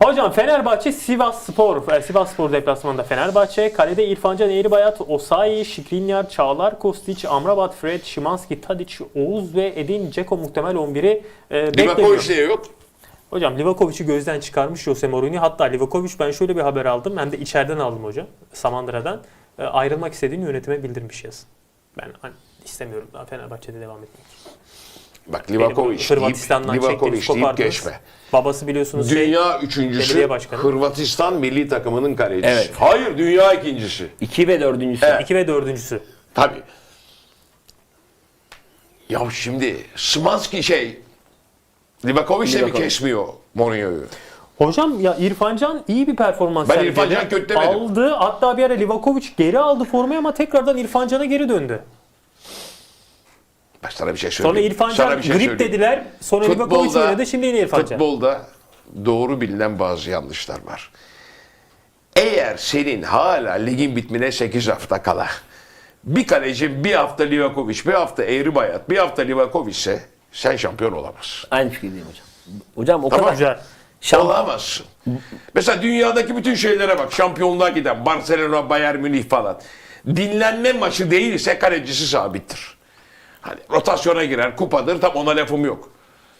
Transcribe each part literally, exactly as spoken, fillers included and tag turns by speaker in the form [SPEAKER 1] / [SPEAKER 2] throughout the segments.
[SPEAKER 1] Hocam Fenerbahçe Sivasspor. E, Sivasspor deplasmanında Fenerbahçe. Kalede İrfan Can Eğribayat, Osayi, Skriniar, Çağlar, Kostić, Amrabat, Fred, Szymański, Tadić, Oğuz ve Edin Dzeko muhtemel on biri e, bekleniyor.
[SPEAKER 2] Livakovic diye yok.
[SPEAKER 1] Hocam Livakovic'i gözden çıkarmış Jose Mourinho. Hatta Livakovic, ben şöyle bir haber aldım. Hem de içeriden aldım hocam. Samandıra'dan. E, ayrılmak istediğini yönetime bildirmiş yazın. Ben hani, istemiyorum daha Fenerbahçe'de devam etmek.
[SPEAKER 2] Bak Livakovic
[SPEAKER 1] Hırvatistan'dan
[SPEAKER 2] deyip, Livakovic deyip geçme.
[SPEAKER 1] Babası biliyorsunuz
[SPEAKER 2] Dünya
[SPEAKER 1] şey,
[SPEAKER 2] üçüncüsü
[SPEAKER 1] başkanı.
[SPEAKER 2] Hırvatistan milli takımının kalecisi.
[SPEAKER 3] Evet.
[SPEAKER 2] Hayır, dünya ikincisi.
[SPEAKER 3] İki ve dördüncüsü.
[SPEAKER 2] Evet.
[SPEAKER 1] İki ve dördüncüsü.
[SPEAKER 2] Tabii. Ya şimdi Szymański şey Livakovic de mi
[SPEAKER 3] Livakovic.
[SPEAKER 2] kesmiyor Mourinho'yu?
[SPEAKER 1] Hocam ya İrfan Can iyi bir performans
[SPEAKER 2] Ben
[SPEAKER 1] sergiledi.
[SPEAKER 2] İrfan Can kötü demedim.
[SPEAKER 1] Aldı. Hatta bir ara Livakovic geri aldı formayı ama tekrardan İrfan Can'a geri döndü.
[SPEAKER 2] Bak sana bir şey
[SPEAKER 1] Sonra
[SPEAKER 2] söyleyeyim.
[SPEAKER 1] İrfan
[SPEAKER 2] Sana
[SPEAKER 1] Can
[SPEAKER 2] bir şey
[SPEAKER 1] grip
[SPEAKER 2] söyleyeyim.
[SPEAKER 1] dediler. Sonra Livakovic oynadı. Şimdi yine İrfan Can.
[SPEAKER 2] Futbolda doğru bilinen bazı yanlışlar var. Eğer senin hala ligin bitmine sekiz hafta kala bir kaleci bir hafta Livakovic, bir hafta Eğribayat, bir hafta Livakovic ise sen şampiyon olamazsın.
[SPEAKER 3] Aynı fikirdeyim hocam. Hocam o
[SPEAKER 2] Tamam.
[SPEAKER 3] kadar
[SPEAKER 1] Güzel.
[SPEAKER 3] şamp-
[SPEAKER 2] Olamazsın. Mesela dünyadaki bütün şeylere bak. Şampiyonluğa giden Barcelona, Bayern Münih falan. Dinlenme maçı değilse kalecisi sabittir. Hani rotasyona girer, kupadır, tam ona lafım yok.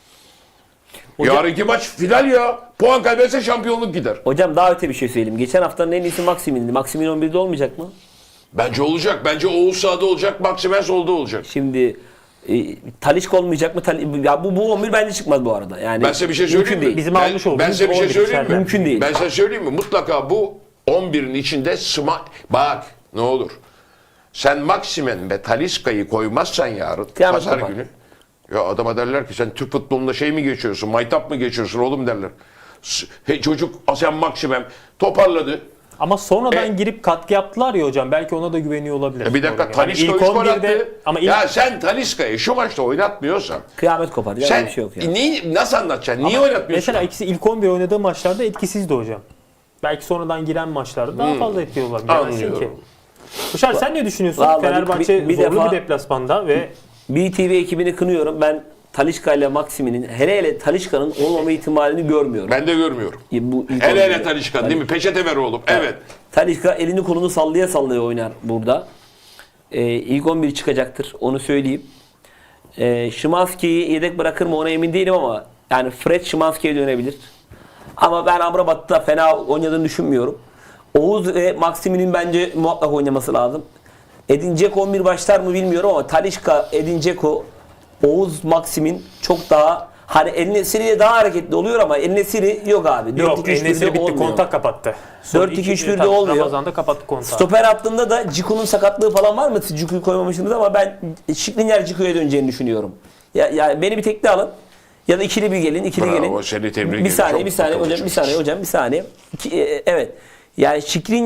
[SPEAKER 1] Hocam-
[SPEAKER 2] Yarınki maç final ya. Puan kaybetse şampiyonluk gider.
[SPEAKER 3] Hocam daha öte bir şey söyleyeyim. Geçen haftanın en iyisi Maximin'di. Maximin on birde olmayacak mı?
[SPEAKER 2] Bence olacak. Bence Oğuz sağda olacak, Maximen solda olacak.
[SPEAKER 3] Şimdi e, Talisca olmayacak mı? Tali- ya bu, bu on bir bence çıkmaz bu arada. Yani
[SPEAKER 2] Ben size bir şey
[SPEAKER 3] mümkün
[SPEAKER 2] söyleyeyim mi?
[SPEAKER 3] değil.
[SPEAKER 1] Bizim
[SPEAKER 2] ben,
[SPEAKER 1] almış olduğumuz
[SPEAKER 2] ben size bir şey
[SPEAKER 1] on bir
[SPEAKER 2] söyleyeyim mi?
[SPEAKER 1] içeride.
[SPEAKER 3] Mümkün değil.
[SPEAKER 2] Ben size söyleyeyim mi? Mutlaka bu on birin içinde sıma... Bak ne olur. Sen Maximen ve Talisca'yı koymazsan yarın,
[SPEAKER 3] Kıyamet
[SPEAKER 2] pazar
[SPEAKER 3] kopar.
[SPEAKER 2] günü. Ya adama derler ki sen Türk futbolunda şey mi geçiyorsun, maytap mı geçiyorsun oğlum derler. S- Hey çocuk Asyan Maximen toparladı.
[SPEAKER 1] Ama sonradan
[SPEAKER 2] E-
[SPEAKER 1] girip katkı yaptılar ya hocam. Belki ona da güveniyor olabilir.
[SPEAKER 2] E bir dakika
[SPEAKER 1] Yani
[SPEAKER 2] Talisca
[SPEAKER 1] ilk
[SPEAKER 2] üç gol
[SPEAKER 1] on birde
[SPEAKER 2] attı.
[SPEAKER 1] ama ilk,
[SPEAKER 2] Ya sen Talisca'yı şu maçta oynatmıyorsan
[SPEAKER 3] Kıyamet kopar. Ya
[SPEAKER 2] sen
[SPEAKER 3] öyle bir şey yok ya.
[SPEAKER 2] neyi, nasıl anlatacaksın? Niye
[SPEAKER 1] ama
[SPEAKER 2] oynatmıyorsun?
[SPEAKER 1] mesela ikisi ilk on bir oynadığı maçlarda etkisizdi hocam. Belki sonradan giren maçlarda daha fazla etkili olabilir. Bilemezsin ki.
[SPEAKER 2] Anlıyorum.
[SPEAKER 1] Kuşar sen ne düşünüyorsun?
[SPEAKER 3] Vallahi
[SPEAKER 1] Fenerbahçe
[SPEAKER 3] bir- bir
[SPEAKER 1] zorlu
[SPEAKER 3] defa-
[SPEAKER 1] bir deplasmanda ve
[SPEAKER 3] B T V ekibini kınıyorum. Ben Talisca ile Maximin'in hele hele Talisca'nın olmama ihtimalini görmüyorum.
[SPEAKER 2] Ben de görmüyorum.
[SPEAKER 3] E, Bu ilk
[SPEAKER 2] Hele
[SPEAKER 3] on
[SPEAKER 2] hele
[SPEAKER 3] birde.
[SPEAKER 2] Talisca değil mi? Peçete ver oğlum. Evet.
[SPEAKER 3] Talisca elini kolunu sallaya sallaya oynar burada. Ee, ilk on bir çıkacaktır. Onu söyleyeyim. Ee, Szymański'yi yedek bırakır mı ona emin değilim ama yani Fred Szymański'ye dönebilir. Ama ben Amrabat'ta fena oynadığını düşünmüyorum. Oğuz ve Maximin'in bence muhakkak oynaması lazım. Edin Dzeko on bir başlar mı bilmiyorum ama Talisca, Edin Dzeko, Oğuz, Maximin çok daha hani El Nesiri daha hareketli oluyor ama El Nesiri yok abi.
[SPEAKER 1] yok Enes'i bitti,
[SPEAKER 3] olmuyor.
[SPEAKER 1] kontak kapattı. Son
[SPEAKER 3] dört iki
[SPEAKER 1] iki-
[SPEAKER 3] üç birde
[SPEAKER 1] tabii
[SPEAKER 3] olmuyor.
[SPEAKER 1] Ramazan'da kapattı kontağı.
[SPEAKER 3] Stoper hattında da Ciku'nun sakatlığı falan var mı? Siz Ciku'yu koymamışsınız ama ben Skriniar Ciku'ya döneceğini düşünüyorum. Ya, ya beni bir tekli alın. Ya da ikili bir gelin, ikili
[SPEAKER 2] Bravo,
[SPEAKER 3] gelin.
[SPEAKER 2] seni tebrik
[SPEAKER 3] Bir
[SPEAKER 2] ederim.
[SPEAKER 3] saniye,
[SPEAKER 2] Çok
[SPEAKER 3] bir saniye
[SPEAKER 2] akıllı
[SPEAKER 3] hocam, bir saniye
[SPEAKER 2] çocuksun.
[SPEAKER 3] hocam, bir saniye. İki, e, evet. Yani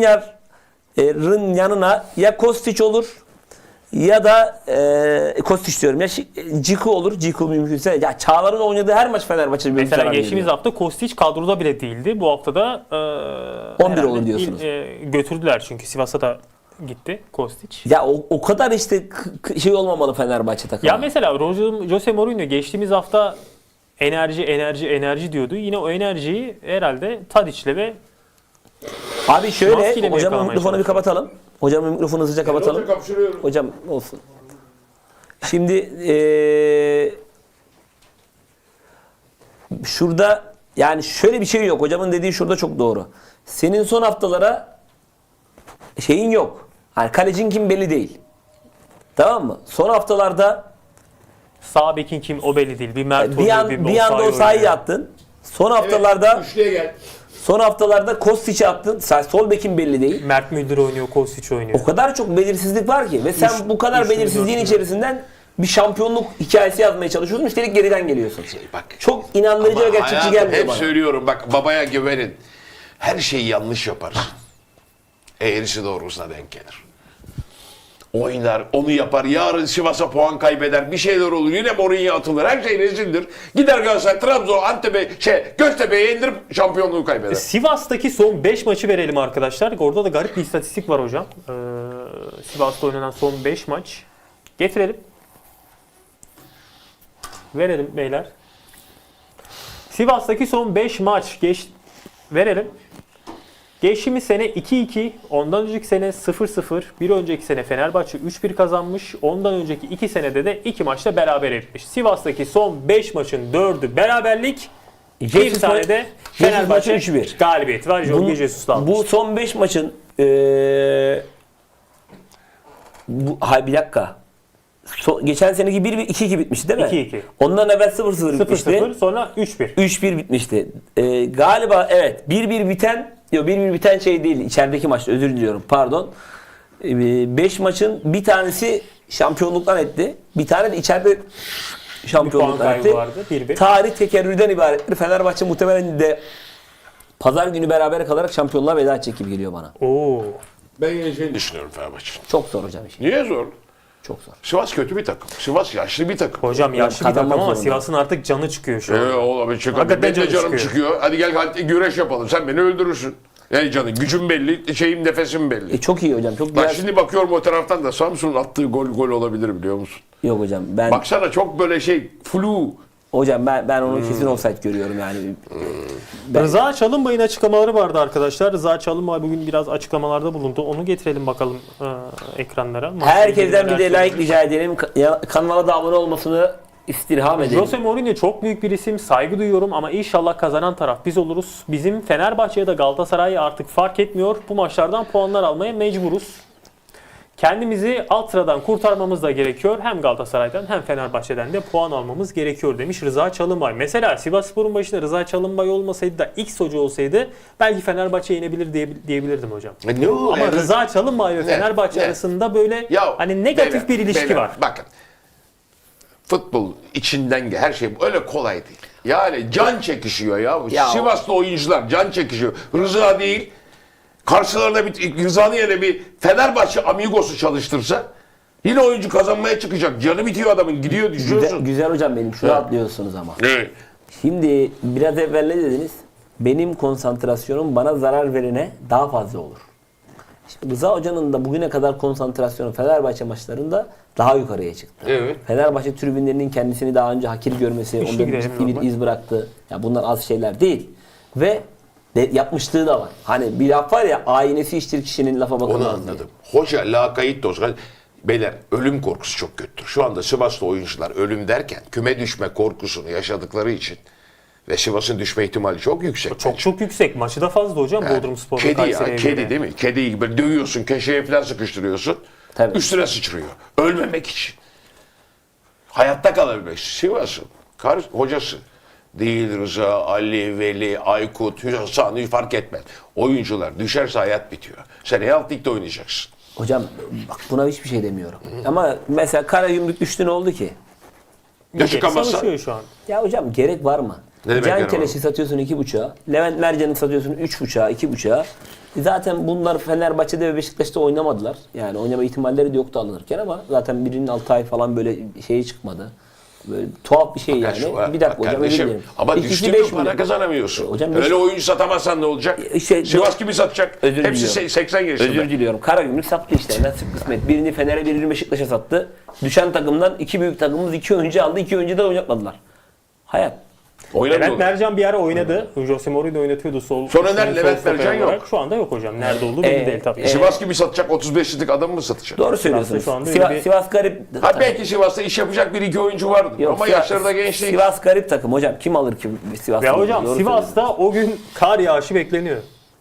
[SPEAKER 3] Skriniar'ın yanına ya Kostić olur ya da e, Kostić diyorum ya Şi- Ciku olur. Ciku mümkünse. Ya Çağlar'ın oynadığı her maç Fenerbahçe'de bir
[SPEAKER 1] Mesela
[SPEAKER 3] zarar
[SPEAKER 1] geçtiğimiz
[SPEAKER 3] veriyor.
[SPEAKER 1] hafta Kostić kadroda bile değildi. Bu hafta da e,
[SPEAKER 3] on bir
[SPEAKER 1] herhalde
[SPEAKER 3] olur diyorsunuz.
[SPEAKER 1] il- e, götürdüler çünkü Sivas'a da gitti Kostić.
[SPEAKER 3] Ya o, o kadar işte k- k- şey olmamalı Fenerbahçe takımı.
[SPEAKER 1] Ya mesela Jose- Jose Mourinho geçtiğimiz hafta enerji enerji enerji diyordu. Yine o enerjiyi herhalde Tadić'le ve
[SPEAKER 3] Abi şöyle
[SPEAKER 1] Maskiyle mi
[SPEAKER 3] hocamın
[SPEAKER 1] yakalamaya
[SPEAKER 3] mikrofonu bir
[SPEAKER 1] çalışıyor?
[SPEAKER 3] kapatalım. Hocamın mikrofonu hızlıca kapatalım. Hocam olsun. Şimdi eee şurada yani şöyle bir şey yok. Hocamın dediği şurada çok doğru. Senin son haftalara şeyin yok. Hani kalecin kim belli değil. Tamam mı? Son haftalarda
[SPEAKER 1] sağ bekin kim o belli değil. Bir Mert
[SPEAKER 3] bir,
[SPEAKER 1] oynuyor,
[SPEAKER 3] an, bir anda
[SPEAKER 1] Osayi
[SPEAKER 3] o sahayı
[SPEAKER 1] oynuyor.
[SPEAKER 3] attın. Son haftalarda
[SPEAKER 2] Üçlüye gel.
[SPEAKER 3] son haftalarda Kostić'i attın. Sen sol bekin belli değil.
[SPEAKER 1] Mert Müldür oynuyor, Kostić oynuyor.
[SPEAKER 3] O kadar çok belirsizlik var ki ve sen
[SPEAKER 1] Üç-
[SPEAKER 3] bu kadar
[SPEAKER 1] üçlü,
[SPEAKER 3] belirsizliğin
[SPEAKER 1] dörtlü.
[SPEAKER 3] içerisinden bir şampiyonluk hikayesi yazmaya çalışıyorsun. Üstelik geriden geliyorsun.
[SPEAKER 2] Bak.
[SPEAKER 3] Çok inandırıcı ve
[SPEAKER 2] Ama
[SPEAKER 3] gerçekçi
[SPEAKER 2] hayatım,
[SPEAKER 3] gelmiyor
[SPEAKER 2] hep
[SPEAKER 3] bana.
[SPEAKER 2] söylüyorum bak babaya güvenin. Her şeyi yanlış yaparsın. Eğrisi doğrusuna denk gelir. Oynar, onu yapar. Yarın Sivas'a puan kaybeder. Bir şeyler olur. Yine Mourinho atılır. Her şey rezildir. Gider Galatasaray, Trabzon, Antep'e, şey, Göztepe'ye indirip şampiyonluğu kaybeder.
[SPEAKER 1] Sivas'taki son beş maçı verelim arkadaşlar. Orada da garip bir istatistik var hocam. Ee, Sivas'ta oynanan son beş maç. Getirelim. Verelim beyler. Sivas'taki son beş maç geç verelim. Geçtiğimiz sene iki iki, ondan önceki sene sıfır sıfır, bir önceki sene Fenerbahçe üç bir kazanmış, ondan önceki iki senede de iki maçta beraber etmiş. Sivas'taki son beş maçın dördü beraberlik, bir
[SPEAKER 3] Jesus
[SPEAKER 1] tane de
[SPEAKER 3] Jesus
[SPEAKER 1] Fenerbahçe
[SPEAKER 3] maçı üç bir.
[SPEAKER 1] galibiyeti var. Jorge Jesus'la almış.
[SPEAKER 3] Bu son beş maçın ee, bu, hayır bir dakika. So- geçen seneki bir iki iki bitmişti değil mi?
[SPEAKER 1] iki iki.
[SPEAKER 3] Ondan evvel sıfır sıfır
[SPEAKER 1] sıfır
[SPEAKER 3] bitmişti.
[SPEAKER 1] sıfır sonra üç bir.
[SPEAKER 3] üç bir bitmişti. Ee, galiba evet bir bir biten yok bir bir biten şey değil. İçerideki maçta özür diliyorum. Pardon. beş maçın bir tanesi şampiyonluktan etti. Bir tane de içeride
[SPEAKER 1] Bir puan
[SPEAKER 3] şampiyonluktan
[SPEAKER 1] kaybı
[SPEAKER 3] etti.
[SPEAKER 1] vardı. bir bir.
[SPEAKER 3] Tarih tekerrürden ibarettir. Fenerbahçe muhtemelen de pazar günü beraber kalarak şampiyonluğa veda edecek gibi geliyor bana.
[SPEAKER 1] Oo.
[SPEAKER 2] Ben yeneceğini düşünüyorum Fenerbahçe'nin.
[SPEAKER 3] Çok zor hocam işi.
[SPEAKER 2] Niye zor?
[SPEAKER 3] Çok zor.
[SPEAKER 2] Sivas kötü bir takım. Sivas yaşlı bir takım.
[SPEAKER 1] Hocam yaşlı bir takım
[SPEAKER 3] kazanmak
[SPEAKER 1] ama
[SPEAKER 3] zorunda.
[SPEAKER 1] Sivas'ın artık canı çıkıyor şu an.
[SPEAKER 2] Ee, oğlum çık hadi.
[SPEAKER 1] Hakikaten
[SPEAKER 2] Benim de
[SPEAKER 1] canı
[SPEAKER 2] canım
[SPEAKER 1] çıkıyor.
[SPEAKER 2] çıkıyor. Hadi gel hadi güreş yapalım. Sen beni öldürürsün. Yani canım gücüm belli, şeyim nefesim belli.
[SPEAKER 3] E, çok iyi hocam. Çok
[SPEAKER 2] Bak
[SPEAKER 3] güzel.
[SPEAKER 2] şimdi bakıyorum o taraftan da Samsun'un attığı gol gol olabilir biliyor musun?
[SPEAKER 3] Yok hocam ben
[SPEAKER 2] Baksana çok böyle şey flu.
[SPEAKER 3] hocam ben ben onu
[SPEAKER 2] Hmm.
[SPEAKER 3] kesin offside görüyorum yani.
[SPEAKER 1] Rıza Çalınbay'ın açıklamaları vardı arkadaşlar. Rıza Çalınbay bugün biraz açıklamalarda bulundu. Onu getirelim bakalım e, ekranlara. Maçla ilgili
[SPEAKER 3] Herkesten bir
[SPEAKER 1] neler
[SPEAKER 3] de like
[SPEAKER 1] söylemiş.
[SPEAKER 3] rica edelim. Ka- ya- Kanala da abone olmasını istirham edelim.
[SPEAKER 1] Jose Mourinho çok büyük bir isim. Saygı duyuyorum ama inşallah kazanan taraf biz oluruz. Bizim Fenerbahçe ya da Galatasaray artık fark etmiyor. Bu maçlardan puanlar almaya mecburuz. Kendimizi alt sıradan kurtarmamız da gerekiyor. Hem Galatasaray'dan hem Fenerbahçe'den de puan almamız gerekiyor demiş Rıza Çalınbay. Mesela Sivasspor'un başında Rıza Çalınbay olmasaydı da X hoca olsaydı belki Fenerbahçe yenebilir diye, diyebilirdim hocam.
[SPEAKER 2] E ne o?
[SPEAKER 1] Ama
[SPEAKER 2] Yani-
[SPEAKER 1] Rıza Çalınbay ve
[SPEAKER 2] Ne?
[SPEAKER 1] Fenerbahçe
[SPEAKER 2] Ne?
[SPEAKER 1] arasında böyle
[SPEAKER 2] Ya,
[SPEAKER 1] hani negatif
[SPEAKER 2] beyler,
[SPEAKER 1] bir ilişki
[SPEAKER 2] beyler,
[SPEAKER 1] var.
[SPEAKER 2] Bakın. Futbol içinden gel her şey öyle kolay değil. Yani can çekişiyor ya.
[SPEAKER 3] Ya
[SPEAKER 2] Sivaslı oyuncular can çekişiyor. Rıza değil. Karşılarına bir Rıza'nın yerine bir Fenerbahçe Amigos'u çalıştırsa yine oyuncu kazanmaya çıkacak. Canı bitiyor adamın. Gidiyor
[SPEAKER 3] Güzel,
[SPEAKER 2] düşüyorsun.
[SPEAKER 3] güzel hocam benim. Şunu
[SPEAKER 2] Evet.
[SPEAKER 3] atlıyorsunuz ama.
[SPEAKER 2] Ne?
[SPEAKER 3] Şimdi biraz evvel ne dediniz? Benim konsantrasyonum bana zarar verene daha fazla olur. Şimdi Rıza Hoca'nın da bugüne kadar konsantrasyonu Fenerbahçe maçlarında daha yukarıya çıktı.
[SPEAKER 2] Evet.
[SPEAKER 3] Fenerbahçe tribünlerinin kendisini daha önce hakir görmesi,
[SPEAKER 1] Güçlü
[SPEAKER 3] onda
[SPEAKER 1] gidelim
[SPEAKER 3] ciddi bir
[SPEAKER 1] normal.
[SPEAKER 3] iz bıraktı. Ya bunlar az şeyler değil. Ve de yapmışlığı da var. Hani bir laf var ya, aynesi iştir kişinin lafa bakılmaz
[SPEAKER 2] Onu
[SPEAKER 3] diye.
[SPEAKER 2] anladım. Hoca lakayt da olsa beyler ölüm korkusu çok kötüdür. Şu anda Sivaslı oyuncular ölüm derken küme düşme korkusunu yaşadıkları için ve Sivas'ın düşme ihtimali çok yüksek.
[SPEAKER 1] Çok çok yüksek. Maçı da fazla hocam Bodrum Spor'da.
[SPEAKER 2] Kedi ya,
[SPEAKER 1] Kayseri'ye
[SPEAKER 2] kedi
[SPEAKER 1] göre.
[SPEAKER 2] değil mi? Kediyi gibi dövüyorsun, köşeye falan sıkıştırıyorsun.
[SPEAKER 3] Tabii.
[SPEAKER 2] Üstüne sıçrıyor. Ölmemek için. Hayatta kalabilmek için. Sivas'ın kar, hocası değil Rıza, Ali, Veli, Aykut, Hasan fark etmez. Oyuncular düşerse hayat bitiyor. Sen Alt Lig'de oynayacaksın.
[SPEAKER 3] Hocam bak buna hiçbir şey demiyorum. Ama mesela Karagümrük düştü, ne oldu ki?
[SPEAKER 2] Ya çıkamazsa
[SPEAKER 1] Savaşıyor şu an.
[SPEAKER 3] Ya hocam gerek var mı?
[SPEAKER 2] Ne demek
[SPEAKER 3] Can
[SPEAKER 2] gerek var
[SPEAKER 3] Keleş'i
[SPEAKER 2] mı?
[SPEAKER 3] satıyorsun iki buçuğa. Levent Mercan'ı satıyorsun üç buçuğa, iki buçuğa. E Zaten bunlar Fenerbahçe'de ve Beşiktaş'ta oynamadılar. Yani oynama ihtimalleri de yoktu alınırken ama zaten birinin altı ay falan böyle şeyi çıkmadı. Böyle tuhaf bir şey
[SPEAKER 2] Ya
[SPEAKER 3] yani.
[SPEAKER 2] şu var,
[SPEAKER 3] Bir dakika
[SPEAKER 2] bak
[SPEAKER 3] hocam, özür
[SPEAKER 2] kardeşim,
[SPEAKER 3] dilerim.
[SPEAKER 2] ama
[SPEAKER 3] İkisi
[SPEAKER 2] düştün
[SPEAKER 3] beş
[SPEAKER 2] mü para
[SPEAKER 3] milyon.
[SPEAKER 2] kazanamıyorsun.
[SPEAKER 3] E, hocam beş-
[SPEAKER 2] Öyle oyuncu satamazsan ne olacak?
[SPEAKER 3] İşte-
[SPEAKER 2] Sivas gibi satacak.
[SPEAKER 3] Özür
[SPEAKER 2] Hepsi
[SPEAKER 3] diliyorum.
[SPEAKER 2] seksen yaşında.
[SPEAKER 3] Özür diliyorum. Karagümrük sattı işte. Nasip kısmet. Birini Fener'e, birini Beşiktaş'a sattı. Düşen takımdan iki büyük takımımız iki oyuncu aldı. İki oyuncu da oynatmadılar. Hayat.
[SPEAKER 2] Oynamıyor.
[SPEAKER 1] Levent Mercan bir ara oynadı. Jose Mourinho oynatıyordu sol.
[SPEAKER 2] Sonra
[SPEAKER 1] sol
[SPEAKER 2] nerede Levent
[SPEAKER 1] stoper
[SPEAKER 2] Mercan
[SPEAKER 1] olarak.
[SPEAKER 2] yok.
[SPEAKER 1] Şu anda yok hocam. Nerede olduğu belli
[SPEAKER 3] Ee,
[SPEAKER 1] değil tabii.
[SPEAKER 3] e,
[SPEAKER 2] Sivas gibi satacak otuz beşlik adamı mı satacak?
[SPEAKER 3] Doğru söylüyorsunuz.
[SPEAKER 1] şu anda öyle
[SPEAKER 3] Sivas,
[SPEAKER 1] bir-
[SPEAKER 3] Sivas garip.
[SPEAKER 2] Ha belki Sivas'ta iş yapacak bir iki oyuncu vardır.
[SPEAKER 3] Yok,
[SPEAKER 2] Ama
[SPEAKER 3] Sivas-
[SPEAKER 2] yaşları da genç değil.
[SPEAKER 3] Sivas garip takım hocam. Kim alır ki Sivas'ta?
[SPEAKER 1] Ve hocam
[SPEAKER 3] Doğru
[SPEAKER 1] Sivas'ta o gün kar yağışı bekleniyor.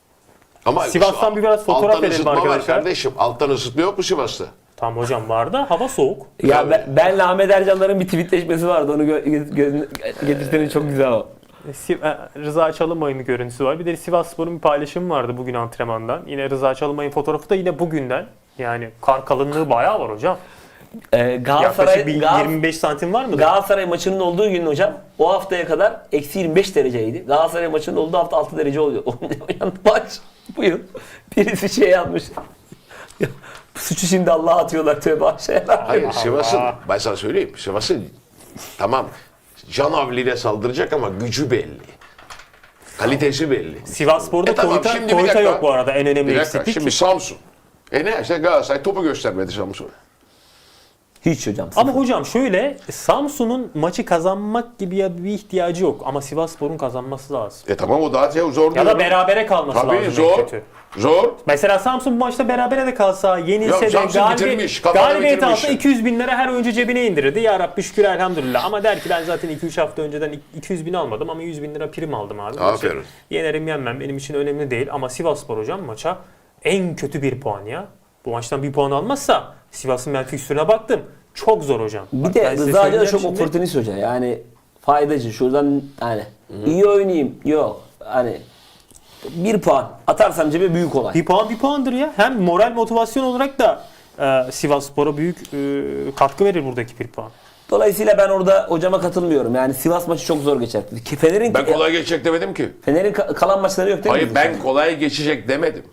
[SPEAKER 2] Ama
[SPEAKER 1] Sivas'tan bir biraz fotoğraf
[SPEAKER 2] alttan
[SPEAKER 1] verelim
[SPEAKER 2] ısıtma var
[SPEAKER 1] arkadaşlar.
[SPEAKER 2] kardeşim. Alttan ısıtma yok mu Sivas'ta?
[SPEAKER 1] Tamam hocam var da hava soğuk.
[SPEAKER 3] söylüyorsun. Ya
[SPEAKER 2] Tabii.
[SPEAKER 3] ben, benle Ahmet Ercanların bir tweetleşmesi vardı. Onu gö- gö- gö- getirseniz çok güzel o.
[SPEAKER 1] Si- e, Rıza Çalınbay'ın bir görüntüsü var. Bir de Sivasspor'un bir paylaşımı vardı bugün antrenmandan. Yine Rıza Çalınbay'ın fotoğrafı da yine bugünden. Yani kar kalınlığı bayağı var hocam.
[SPEAKER 3] Ee,
[SPEAKER 1] Yaklaşık
[SPEAKER 3] Galatasaray,
[SPEAKER 1] bir
[SPEAKER 3] Gal-
[SPEAKER 1] yirmi beş santim var mıdır?
[SPEAKER 3] Galatasaray maçının olduğu gün hocam o haftaya kadar eksi yirmi beş dereceydi. Galatasaray maçının olduğu hafta altı derece oluyor. Oynayan maç bu yıl. Birisi şey yapmış. Suçu şimdi Allah'a atıyorlar, tövbe aşağıya.
[SPEAKER 2] Hayır
[SPEAKER 1] Allah
[SPEAKER 2] Sivas'ın,
[SPEAKER 1] Allah.
[SPEAKER 2] ben sana söyleyeyim. Sivas'ın tamam canavliyle saldıracak ama gücü belli. Kalitesi belli.
[SPEAKER 1] Sivasspor'da
[SPEAKER 2] E tamam,
[SPEAKER 1] Koyta,
[SPEAKER 2] şimdi bir
[SPEAKER 1] Koyta
[SPEAKER 2] dakika.
[SPEAKER 1] yok bu arada en önemli
[SPEAKER 2] Bir dakika
[SPEAKER 1] eksiklik.
[SPEAKER 2] şimdi Samsun. E ne işte Galatasaray topu göstermedi Samsun'a.
[SPEAKER 3] Hiç hocam. Sıfır.
[SPEAKER 1] Ama hocam şöyle, Samsun'un maçı kazanmak gibi ya bir ihtiyacı yok. Ama Sivasspor'un kazanması lazım.
[SPEAKER 2] E tamam o daha zor
[SPEAKER 1] Ya
[SPEAKER 2] diyorum.
[SPEAKER 1] da berabere kalması
[SPEAKER 2] Tabii
[SPEAKER 1] lazım en
[SPEAKER 2] zor.
[SPEAKER 1] kötü.
[SPEAKER 2] Zor.
[SPEAKER 1] Mesela Samsun bu maçta berabere de kalsa, yenilse
[SPEAKER 2] Ya
[SPEAKER 1] de
[SPEAKER 2] Samsun
[SPEAKER 1] galibiyet,
[SPEAKER 2] bitirmiş, kafada
[SPEAKER 1] galibiyet
[SPEAKER 2] bitirmiş.
[SPEAKER 1] alsa iki yüz bin lira her oyuncu cebine indirirdi. Ya Rabbi şükür elhamdülillah. Ama der ki ben zaten iki üç hafta önceden iki yüz bin almadım ama yüz bin lira prim aldım abi.
[SPEAKER 2] Aferin.
[SPEAKER 1] Maçı yenerim yenmem benim için önemli değil. Ama Sivasspor hocam maça en kötü bir puan ya. Bu maçtan bir puan almazsa Sivas'ın ben fikstürüne baktım. Çok zor hocam.
[SPEAKER 3] Bir
[SPEAKER 1] Bak
[SPEAKER 3] de
[SPEAKER 1] ben size
[SPEAKER 3] Rıza Hoca da
[SPEAKER 1] söyleyeceğim
[SPEAKER 3] çok
[SPEAKER 1] şimdi.
[SPEAKER 3] oportunist hoca. Yani faydacı. Şuradan hani iyi oynayayım. Yok. Hani bir puan atarsam cebe büyük olay.
[SPEAKER 1] Bir puan bir puandır ya. Hem moral motivasyon olarak da e, Sivasspor'a büyük e, katkı verir buradaki bir puan.
[SPEAKER 3] Dolayısıyla ben orada hocama katılmıyorum. Yani Sivas maçı çok zor geçer. Ki Fener'in
[SPEAKER 2] Ben kolay geçecek demedim ki.
[SPEAKER 3] Fener'in ka- kalan maçları yok değil mi?
[SPEAKER 2] Hayır ben kolay geçecek demedim.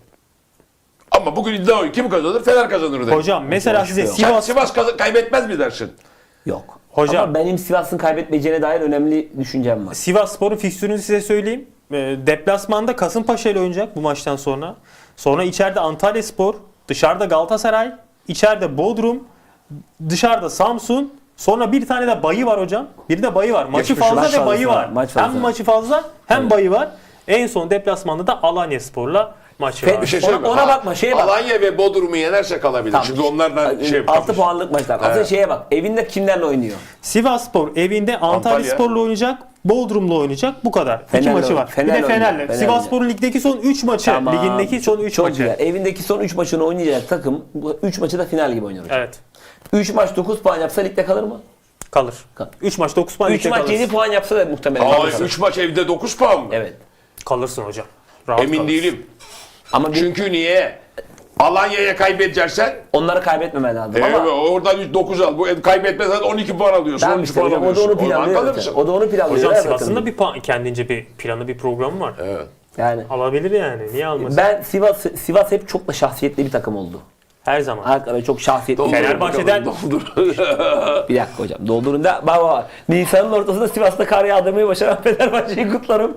[SPEAKER 2] Ama bugün iddia oyun kim kazanır? Fener kazanır dedim.
[SPEAKER 1] Hocam mesela size
[SPEAKER 3] yok.
[SPEAKER 2] Sen
[SPEAKER 1] Sivas
[SPEAKER 2] Sivas kazan- kaybetmez mi dersin?
[SPEAKER 3] Yok.
[SPEAKER 1] Hocam-
[SPEAKER 3] Ama benim Sivas'ın kaybetmeyeceğine dair önemli düşüncem var.
[SPEAKER 1] Sivasspor'un fikstürünü size söyleyeyim. E, deplasmanda Kasımpaşa ile oynayacak bu maçtan sonra. Sonra içeride Antalyaspor, dışarıda Galatasaray, içeride Bodrum, dışarıda Samsun. Sonra bir tane de bayı var hocam. Bir de bayı var. Maçı
[SPEAKER 2] Geçmiş
[SPEAKER 1] fazla
[SPEAKER 3] maç
[SPEAKER 1] ve bayı
[SPEAKER 3] fazla,
[SPEAKER 1] var.
[SPEAKER 3] maç fazla.
[SPEAKER 1] Hem maçı fazla hem bayı var. En son deplasmanda da Alanyaspor'la maçı
[SPEAKER 3] Fe-
[SPEAKER 1] var.
[SPEAKER 2] Bir şey
[SPEAKER 3] Ona-
[SPEAKER 2] söyleyeyim mi?
[SPEAKER 3] ona
[SPEAKER 2] Ha,
[SPEAKER 3] bakma, şeye bak.
[SPEAKER 2] Alanya ve Bodrum'u yenerse kalabilir.
[SPEAKER 3] Tamam.
[SPEAKER 2] Çünkü onlardan şey
[SPEAKER 3] altı puanlık maçlar. Aslında
[SPEAKER 2] Evet.
[SPEAKER 3] şeye bak. Evinde kimlerle oynuyor?
[SPEAKER 1] Sivasspor evinde Antalyaspor'la oynayacak, Bodrum'la oynayacak. Bu kadar. İki
[SPEAKER 3] Fener'le
[SPEAKER 1] maçı var.
[SPEAKER 3] oynuyor.
[SPEAKER 1] bir de
[SPEAKER 3] Fener'le
[SPEAKER 1] Fener'le.
[SPEAKER 3] oynuyor. Fener'le.
[SPEAKER 1] Sivasspor'un ligdeki son üç maçı.
[SPEAKER 3] Tamam.
[SPEAKER 1] Ligindeki son üç
[SPEAKER 3] Çok
[SPEAKER 1] maçı.
[SPEAKER 3] güzel. Evindeki son üç maçını oynayacak takım bu üç maçı da final gibi oynuyor hocam.
[SPEAKER 1] Evet.
[SPEAKER 3] üç maç dokuz puan yapsa ligde kalır mı?
[SPEAKER 1] Kalır.
[SPEAKER 3] Kalır.
[SPEAKER 1] üç maç dokuz puan
[SPEAKER 3] üç
[SPEAKER 1] ligde
[SPEAKER 3] maç
[SPEAKER 1] kalırsın.
[SPEAKER 3] yedi puan yapsa da muhtemelen
[SPEAKER 2] Aa,
[SPEAKER 3] kalır.
[SPEAKER 2] üç maç evde dokuz puan mı?
[SPEAKER 3] Evet.
[SPEAKER 1] Kalırsın hocam. Rahat
[SPEAKER 2] Emin
[SPEAKER 1] kalırsın.
[SPEAKER 2] değilim.
[SPEAKER 3] Ama bir,
[SPEAKER 2] Çünkü niye? Alanya'ya kaybedeceksen
[SPEAKER 3] onları kaybetmemen lazım.
[SPEAKER 2] evet,
[SPEAKER 3] Ama
[SPEAKER 2] oradan dokuz al. Bu kaybetmezsen on iki puan alıyorsun.
[SPEAKER 3] ben
[SPEAKER 2] on üç
[SPEAKER 3] işte
[SPEAKER 2] puan
[SPEAKER 3] hocam, o da
[SPEAKER 2] alıyorsun.
[SPEAKER 3] onu
[SPEAKER 2] Oradan
[SPEAKER 3] planlıyor.
[SPEAKER 2] kalırsın.
[SPEAKER 3] zaten. O da onu planlıyor.
[SPEAKER 1] Hocam
[SPEAKER 3] evet,
[SPEAKER 1] Sivas'ın da
[SPEAKER 3] bakın.
[SPEAKER 1] bir puan, kendince bir planı, bir programı var.
[SPEAKER 2] Evet.
[SPEAKER 3] Yani
[SPEAKER 1] Alabilir yani. Niye almasın?
[SPEAKER 3] ben Sivas Sivas hep çok da şahsiyetli bir takım oldu.
[SPEAKER 1] Her zaman.
[SPEAKER 3] Hakikaten çok şahsiyetli.
[SPEAKER 2] Doldur
[SPEAKER 1] Fenerbahçe'den-
[SPEAKER 2] bakalım, doldur.
[SPEAKER 3] Bir dakika hocam. Doldurun da bak bak. Nisan'ın ortasında Sivas'ta kar yağdırmayı başaran Fenerbahçe'yi kutlarım.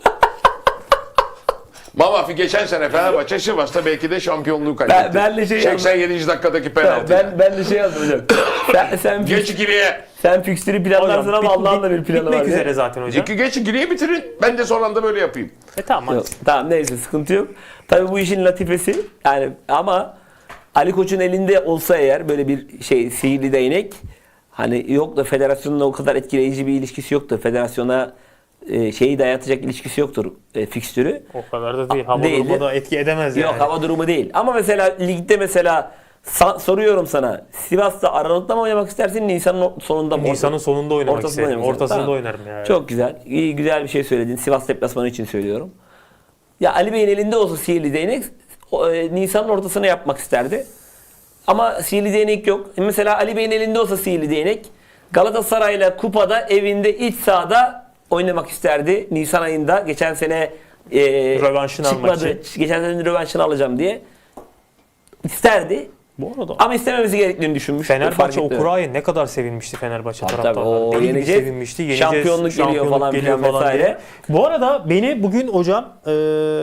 [SPEAKER 2] Mamafi geçen sene Fenerbahçe Sivas'ta belki de şampiyonluğu kaybetti.
[SPEAKER 3] Ben- ben de şey
[SPEAKER 2] seksen yedinci dakikadaki
[SPEAKER 3] ben,
[SPEAKER 2] penaltı.
[SPEAKER 3] ben, ben de şey yazdım hocam. sen, sen,
[SPEAKER 2] Geç ikiliye.
[SPEAKER 3] sen fikstürü planlarsın
[SPEAKER 1] Hocam,
[SPEAKER 3] ama
[SPEAKER 1] bit-
[SPEAKER 3] Allah'ın da
[SPEAKER 1] bit-
[SPEAKER 3] bir planı var.
[SPEAKER 1] bitmek
[SPEAKER 3] ya.
[SPEAKER 1] üzere zaten hocam.
[SPEAKER 2] İki geç ikiliye bitirin. Ben de son anda böyle yapayım.
[SPEAKER 1] E tamam
[SPEAKER 3] Yok,
[SPEAKER 1] hadi.
[SPEAKER 3] tamam neyse sıkıntı yok. Tabii bu işin latifesi yani ama Ali Koç'un elinde olsa eğer böyle bir şey sihirli değnek hani yok da federasyonla o kadar etkileyici bir ilişkisi yoktur. Federasyona e, şeyi dayatacak ilişkisi yoktur e, fikstürü.
[SPEAKER 1] O kadar da değil. Hava
[SPEAKER 3] Değil.
[SPEAKER 1] durumu da etki edemez yani.
[SPEAKER 3] Yok hava durumu değil. Ama mesela ligde mesela sa- soruyorum sana Sivas'ta Aralık'ta mı oynamak istersin Nisan'ın o- sonunda mı?
[SPEAKER 1] Nisan'ın sonunda oynamak
[SPEAKER 3] Ortasında
[SPEAKER 1] isterim.
[SPEAKER 3] oynamak isterim.
[SPEAKER 1] Ortasında
[SPEAKER 3] Tamam.
[SPEAKER 1] oynarım yani.
[SPEAKER 3] Çok güzel. İyi güzel bir şey söyledin. Sivas deplasmanı için söylüyorum. Ya Ali Bey'in elinde olsa sihirli değnek o, e, Nisan'ın ortasına yapmak isterdi. Ama sihirli değnek yok. E, Mesela Ali Bey'in elinde olsa sihirli değnek Galatasaray'la kupada evinde iç sahada oynamak isterdi. Nisan ayında geçen sene e,
[SPEAKER 1] Rövanşını almak
[SPEAKER 3] çıkmadı.
[SPEAKER 1] için.
[SPEAKER 3] Geçen sene rövanşını alacağım diye isterdi.
[SPEAKER 1] Bu arada
[SPEAKER 3] Ama istememesi gerektiğini düşünmüş. Fark
[SPEAKER 1] Fenerbahçe
[SPEAKER 3] etmiyor.
[SPEAKER 1] Okuray'a ne kadar sevinmişti Fenerbahçe
[SPEAKER 3] Tabii
[SPEAKER 1] taraftarları.
[SPEAKER 3] tabii, o
[SPEAKER 1] Deli gibi
[SPEAKER 3] yeneceğiz.
[SPEAKER 1] sevinmişti. Yeneceğiz,
[SPEAKER 3] Şampiyonluk geliyor falan
[SPEAKER 1] geliyor
[SPEAKER 3] filan vesaire.
[SPEAKER 1] diye. Bu arada beni bugün hocam eee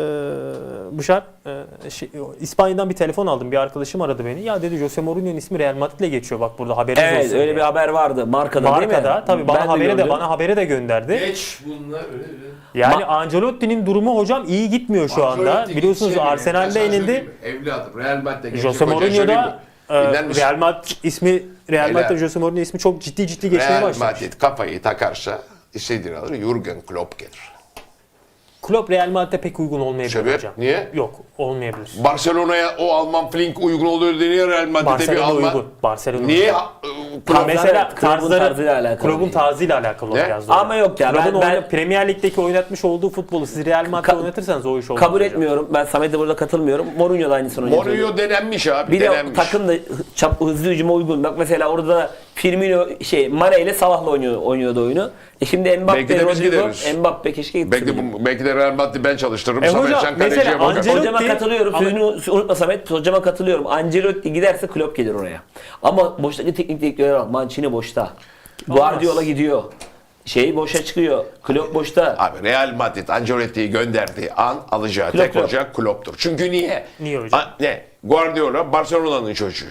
[SPEAKER 1] Buşar eee, şey, İspanya'dan bir telefon aldım. Bir arkadaşım aradı beni. Ya dedi Jose Mourinho'nun ismi Real Madrid'le geçiyor. Bak burada haberiniz
[SPEAKER 3] Evet
[SPEAKER 1] olsun
[SPEAKER 3] öyle
[SPEAKER 1] diye.
[SPEAKER 3] bir haber vardı markada, değil mi?
[SPEAKER 1] Markada tabii bana
[SPEAKER 3] Ben de
[SPEAKER 1] haberi de
[SPEAKER 3] gördüm.
[SPEAKER 1] bana haberi de gönderdi.
[SPEAKER 2] Geç bunlar öyle öyle.
[SPEAKER 1] Yani Ancelotti'nin durumu hocam iyi gitmiyor şu anda. Biliyorsunuz Arsenal'de yenildi.
[SPEAKER 2] Evladım Real Madrid'de
[SPEAKER 1] Jose Mourinho da e,
[SPEAKER 2] Dinler misin?
[SPEAKER 1] Real Madrid ismi Real
[SPEAKER 2] Helal.
[SPEAKER 1] Madrid Jose Mourinho ismi çok ciddi ciddi geçmeye
[SPEAKER 2] Real
[SPEAKER 1] başlamış.
[SPEAKER 2] Madrid kafayı takarsa istediğini alır. Jurgen Klopp gelir.
[SPEAKER 1] Klopp Real Madrid'e pek uygun olmayabilir
[SPEAKER 2] Sebep?
[SPEAKER 1] hocam.
[SPEAKER 2] Niye?
[SPEAKER 1] Yok, olmayabilir.
[SPEAKER 2] Barcelona'ya o Alman Flink uygun oluyor deniyor Real Madrid'e bir
[SPEAKER 1] Barcelona
[SPEAKER 2] Alman.
[SPEAKER 1] uygun. Barcelona
[SPEAKER 2] Niye?
[SPEAKER 1] uygun.
[SPEAKER 2] Ha,
[SPEAKER 1] Ha,
[SPEAKER 2] Klopp-
[SPEAKER 1] mesela
[SPEAKER 3] Klopp'un
[SPEAKER 1] tarzları,
[SPEAKER 3] tarzıyla alakalı
[SPEAKER 1] Klopp'un
[SPEAKER 3] değil.
[SPEAKER 1] tarzıyla alakalı
[SPEAKER 2] Ne?
[SPEAKER 1] biraz da.
[SPEAKER 3] Ama yok ya,
[SPEAKER 1] Klopp'un
[SPEAKER 3] ben-
[SPEAKER 1] oyna-
[SPEAKER 3] ben-
[SPEAKER 1] Premier Lig'deki oynatmış olduğu futbolu siz Real Madrid'de
[SPEAKER 3] Ka-
[SPEAKER 1] oynatırsanız o iş olmaz.
[SPEAKER 3] Kabul
[SPEAKER 1] hocam.
[SPEAKER 3] etmiyorum. Ben Samet'e burada katılmıyorum. Mourinho da aynısını oynuyor.
[SPEAKER 2] Mourinho denenmiş abi.
[SPEAKER 3] Bir de
[SPEAKER 2] denenmiş.
[SPEAKER 3] takım da çap, hızlı hücuma uygun. Bak mesela orada Firmino şey Mane ile Salah'la oynuyor, oynuyordu oyunu. E şimdi
[SPEAKER 2] Belki
[SPEAKER 3] Mbappe,
[SPEAKER 2] de biz
[SPEAKER 3] Rodrigo,
[SPEAKER 2] gideriz.
[SPEAKER 3] Mbappe keşke gitsin.
[SPEAKER 2] Belki de, bu- belki de Real Madrid ben çalıştırırım.
[SPEAKER 1] E
[SPEAKER 2] Samet
[SPEAKER 1] hocam,
[SPEAKER 2] sen
[SPEAKER 1] mesela
[SPEAKER 2] kaleciye bakar.
[SPEAKER 1] Ancelotti-
[SPEAKER 3] Hocama katılıyorum.
[SPEAKER 1] Ama-
[SPEAKER 3] Sözünü unutma Samet. Hocama katılıyorum. Ancelotti giderse Klopp gelir oraya. Ama boştaki teknik direktörler bak. Mancini boşta. Guardiola gidiyor. Şey boşa çıkıyor. Klopp boşta.
[SPEAKER 2] Abi Real Madrid Ancelotti'yi gönderdiği an alacağı
[SPEAKER 3] Klopp,
[SPEAKER 2] tek
[SPEAKER 3] Klopp.
[SPEAKER 2] hoca Klopp'tur. Çünkü niye?
[SPEAKER 1] Niye hocam?
[SPEAKER 2] A- ne? Guardiola Barcelona'nın çocuğu.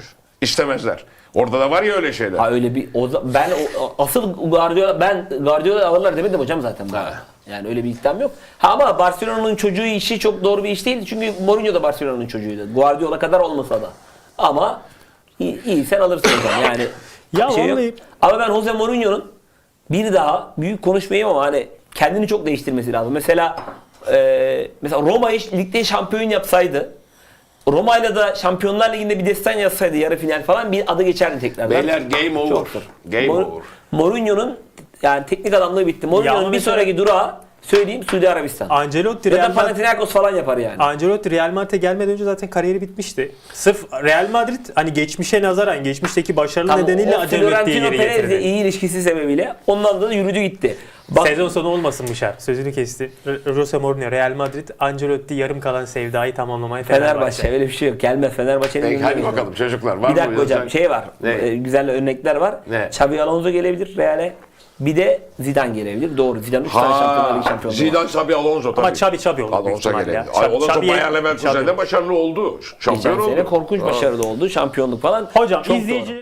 [SPEAKER 2] istemezler. Orada da var ya öyle şeyler.
[SPEAKER 3] Ha öyle bir o, za- ben o, asıl Guardiola ben Guardiola alırlar demedim hocam zaten. bu
[SPEAKER 2] Ha.
[SPEAKER 3] arada. Yani öyle bir iddiam yok. Ha ama Barcelona'nın çocuğu işi çok doğru bir iş değil. Çünkü Mourinho da Barcelona'nın çocuğuydu. Guardiola kadar olmasa da. Ama iyi, iyi sen alırsın hocam. Yani
[SPEAKER 1] Ya
[SPEAKER 3] şey yok.
[SPEAKER 1] vallahi-
[SPEAKER 3] Ama ben Jose Mourinho'nun bir daha büyük konuşmayayım ama hani kendini çok değiştirmesi lazım. Mesela e, mesela Roma'yı ligde şampiyon yapsaydı, Roma'yla da Şampiyonlar Ligi'nde bir destan yazsaydı yarı final falan bir adı geçerdi tekrardan.
[SPEAKER 2] Beyler game over.
[SPEAKER 3] Çok zor.
[SPEAKER 2] Game
[SPEAKER 3] Mor-
[SPEAKER 2] over.
[SPEAKER 3] Mourinho'nun yani teknik adamlığı bitti.
[SPEAKER 1] Ya
[SPEAKER 3] Mourinho'nun
[SPEAKER 1] ama
[SPEAKER 3] bir
[SPEAKER 1] mesela-
[SPEAKER 3] sonraki durağı söyleyeyim Suudi Arabistan.
[SPEAKER 1] Ancelotti
[SPEAKER 3] Ya da
[SPEAKER 1] Real Madrid
[SPEAKER 3] Panathinaikos falan yapar yani.
[SPEAKER 1] Ancelotti Real Madrid'e gelmeden önce zaten kariyeri bitmişti. Sırf Real Madrid hani geçmişe nazaran geçmişteki başarılı
[SPEAKER 3] Tamam,
[SPEAKER 1] nedeniyle
[SPEAKER 3] o
[SPEAKER 1] Ancelotti'yi
[SPEAKER 3] Florentino
[SPEAKER 1] geri
[SPEAKER 3] Perez'le
[SPEAKER 1] getirdi.
[SPEAKER 3] iyi ilişkisi sebebiyle ondan da yürüdü gitti. Bak,
[SPEAKER 1] Sezon sonu olmasın Mışar. Sözünü kesti. R- Jose Mourinho, Real Madrid, Ancelotti yarım kalan sevdayı tamamlamaya
[SPEAKER 3] Fenerbahçe.
[SPEAKER 1] Fenerbahçe.
[SPEAKER 3] Öyle bir şey yok. Gelmez Fenerbahçe'nin.
[SPEAKER 2] Peki, hadi
[SPEAKER 3] önünde
[SPEAKER 2] bakalım çocuklar. Var
[SPEAKER 3] Bir dakika
[SPEAKER 2] mı
[SPEAKER 3] hocam
[SPEAKER 2] yazan?
[SPEAKER 3] şey var.
[SPEAKER 2] Ne?
[SPEAKER 3] e, güzel örnekler var.
[SPEAKER 2] Ne?
[SPEAKER 3] Xabi Alonso gelebilir Real'e. Bir de Zidane gelebilir. Doğru. Zidane üç tane Şampiyonlar Ligi
[SPEAKER 2] Ha,
[SPEAKER 3] şampiyonu var.
[SPEAKER 2] Zidane, Xabi Alonso tabii.
[SPEAKER 1] Ama Xabi Xabi olur büyük
[SPEAKER 2] Alonso
[SPEAKER 1] ihtimalle ya.
[SPEAKER 2] gelebilir. Ay, Alonso
[SPEAKER 1] Xabi'ye-
[SPEAKER 2] Bayer Leverkusen'de
[SPEAKER 1] Xabi.
[SPEAKER 2] başarılı oldu. Şampiyon
[SPEAKER 3] Geçen sene
[SPEAKER 2] oldu.
[SPEAKER 3] korkunç
[SPEAKER 2] Ha.
[SPEAKER 3] başarılı oldu. Şampiyonluk falan.
[SPEAKER 1] Hocam
[SPEAKER 3] Çok
[SPEAKER 1] izleyici
[SPEAKER 3] doğru.